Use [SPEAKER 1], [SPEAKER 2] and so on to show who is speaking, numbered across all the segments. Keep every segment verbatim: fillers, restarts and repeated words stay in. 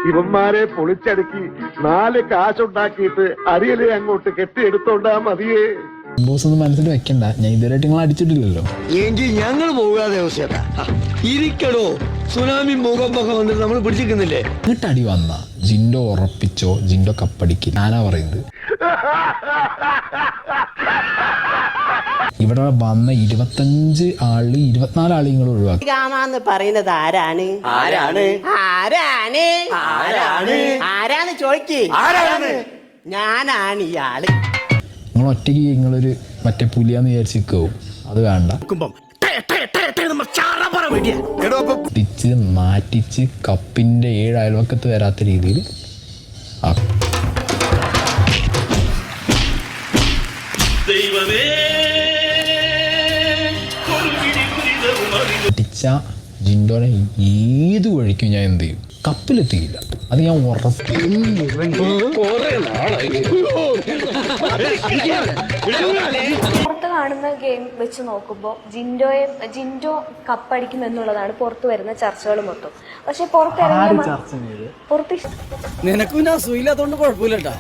[SPEAKER 1] ഇവന്മാരെ പൊളിച്ചടുക്കി നാല് കാശുണ്ടാക്കിയിട്ട് അരിയലെ അങ്ങോട്ട് കെട്ടിയെടുത്തോണ്ടാ മതിയേ.
[SPEAKER 2] ബോസ് ഒന്നും മനസ്സിൽ വെക്കണ്ട, ഞാൻ ഇതുവരെയായിട്ട് നിങ്ങൾ അടിച്ചിട്ടില്ലല്ലോ.
[SPEAKER 3] എങ്കിൽ ഞങ്ങൾ പോകാതെ ഇരിക്കടോ. സുനാമി മുഖമൊക്കെ വന്നിട്ട് നമ്മൾ പിടിച്ചിരിക്കുന്നില്ലേ?
[SPEAKER 2] എന്നിട്ട് അടി വന്ന ജിൻഡോ ഉറപ്പിച്ചോ, ജിൻഡോ കപ്പടിക്കും. ഞാനാ പറയുന്നത്. ഇവിടെ വന്ന ഇരുപത്തഞ്ച് ആള് ഇരുപത്തിനാല് ആള് നിങ്ങൾ ഒഴിവാക്കി.
[SPEAKER 4] രാമാന്ന് പറയുന്നത് ആരാണ്?
[SPEAKER 3] ആരാണ്
[SPEAKER 4] ആരാണ്
[SPEAKER 3] ആരാണ്
[SPEAKER 4] ആരാന്ന് ചോദിക്ക്.
[SPEAKER 3] ആരാണ്?
[SPEAKER 4] ഞാനാണ് ഇയാള്.
[SPEAKER 2] നിങ്ങൾ ഒറ്റയ്ക്ക് നിങ്ങളൊരു മറ്റേ പുലിയാന്ന് വിചാരിച്ചിരിക്കും. അത് വേണ്ട. തിച്ച് മാറ്റിച്ച് കപ്പിന്റെ ഏഴ് അയൽവക്കത്ത് വരാത്ത രീതിയിൽ ടിച്ച ജിൻഡോനെ ഏത് വഴിക്കും ഞാൻ എന്ത് ചെയ്യും? കപ്പിലെത്തിയില്ല. അത് ഞാൻ ഉറപ്പ്.
[SPEAKER 5] പുറത്ത് കാണുന്ന ഗെയിം വെച്ച് നോക്കുമ്പോൾ ജിൻഡോയെ ജിൻഡോ കപ്പടിക്കും എന്നുള്ളതാണ് പുറത്ത് വരുന്ന ചർച്ചകൾ മൊത്തം. പക്ഷെ പുറത്തിറങ്ങിയ പുറത്ത്
[SPEAKER 3] നിനക്കും സുഖമില്ലാത്തോണ്ട് കുഴപ്പമില്ലട്ടാ.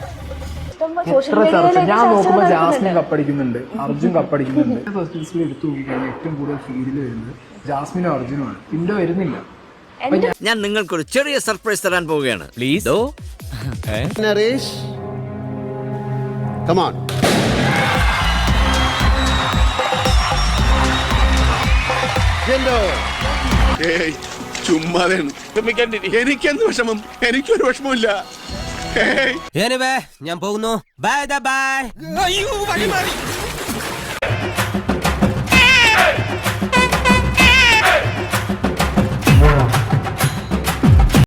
[SPEAKER 2] ഞാൻ നോക്കുമ്പോൾ ജാസ്മിൻ കപ്പടിക്കുന്നുണ്ട്, അർജുൻ കപ്പടിക്കുന്നുണ്ട്. ഫസ്റ്റ് ലിസ്റ്റിൽ എടുത്തു നോക്കിയാണ് ഏറ്റവും കൂടുതൽ ഫീലിൽ വരുന്നത് ജാസ്മിനും അർജുനുമാണ്. പിന്നോ വരുന്നില്ല.
[SPEAKER 6] ഞാൻ നിങ്ങൾക്കൊരു ചെറിയ സർപ്രൈസ് തരാൻ പോവുകയാണ്. Please
[SPEAKER 1] Naresh, come on. Jindo,
[SPEAKER 7] ഏയ് ചുമ്മാതെയാണ്. എനിക്കെന്ത് വിഷമം? എനിക്കൊരു വിഷമമില്ല.
[SPEAKER 8] ഞാൻ പോകുന്നു. Bye by.